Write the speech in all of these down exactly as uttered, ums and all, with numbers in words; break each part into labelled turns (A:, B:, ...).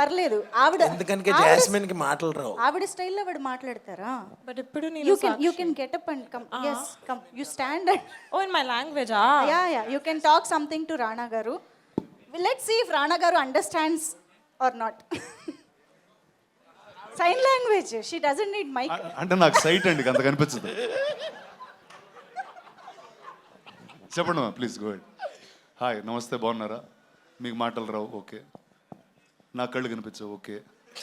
A: పర్లేదు ఆవిడ
B: ఎందుకనికే జాస్మిన్ కి మాటలు రావు.
A: ఆవిడ స్టైల్లో ఆవిడ మాట్లాడతారా?
C: బట్ ఇప్పుడు
A: యూ
C: నేను
A: can you can get up and come yes come you stand and
C: oh in my language uh
A: yeah yeah you can talk something to Rana గారు. లెట్స్ సీ ఇఫ్ రాణా గారు understands or not. Sign language she doesn't need mic.
D: అంటే నాకు site అండి అంత కనిపించదు. చెప్పండి మా please go head. Hi నమస్తే బాగున్నారా? మీకు మాటలు రావు ఓకే, నా కళ్ళు కనిపించవు ఓకే.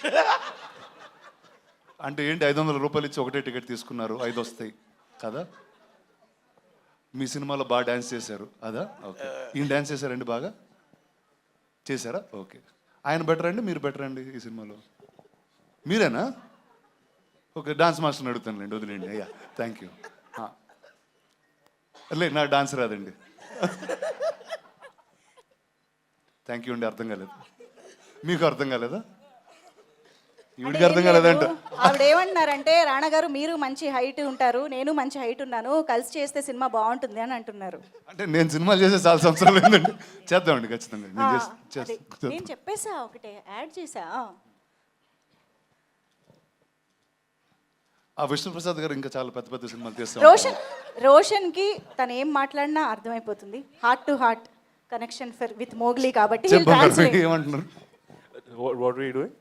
D: అంటే ఏంటి ఐదు వందల రూపాయలు ఇచ్చి ఒకటే టికెట్ తీసుకున్నారు, ఐదు వస్తాయి కదా? మీ సినిమాలో బాగా డ్యాన్స్ చేశారు అదా? ఓకే. ఈయన డ్యాన్స్ చేశారండి బాగా చేశారా? ఓకే. ఆయన బెటర్ అండి మీరు బెటర్ అండి ఈ సినిమాలో? మీరేనా? ఓకే డాన్స్ మాస్టర్ని అడుగుతానులేండి వదిలేండి. అయ్యా థ్యాంక్ యూ. లే నా డాన్స్ రాదండి. థ్యాంక్ యూ అండి. అర్థం కాలేదు మీకు? అర్థం కాలేదా? ఈవిడికి అర్థం కాలేదంట.
A: ఆవిడ ఏమంటున్నారంటే రాణా గారు మీరు మంచి హైట్ ఉంటారు, నేను మంచి హైట్ ఉన్నాను, కలిసి చేస్తే సినిమా బాగుంటుంది అని అంటున్నారు.
D: అంటే నేను సినిమాలు చేసే చాలా సంవత్సరాలు ఏంటండి. చేద్దామండి ఖచ్చితంగా. నేను
A: ఆ,
D: చేస్-
A: అదే.
D: చేస్-
A: నేను చెప్పేసా ఒకటే యాడ్ చేసా.
D: ఆ విష్ణుప్రసాద్ గారు ఇంకా చాలా పెద్ద పెద్ద సినిమాలు తీస్తాం.
A: రోషన్ రోషన్ కి తను ఏం మాట్లాడినా అర్థమైపోతుంది. Heart to heart connection for with Mowgli కాబట్టి he'll translate.
D: ఏమంటున్నారు?
E: What we doing?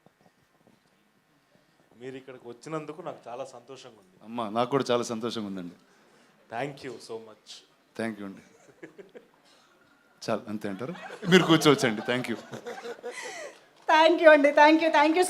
E: మీరు ఇక్కడికి వచ్చినందుకు నాకు చాలా సంతోషంగా ఉంది.
D: అమ్మా నాకు కూడా చాలా సంతోషంగా ఉందండి.
E: Thank you so much.
D: Thank you అండి. చాలా అంతే అంటారు. మీరు కూర్చోవచ్చండి. Thank you.
A: థ్యాంక్ యూ అండి, థ్యాంక్ యూ థ్యాంక్ యూ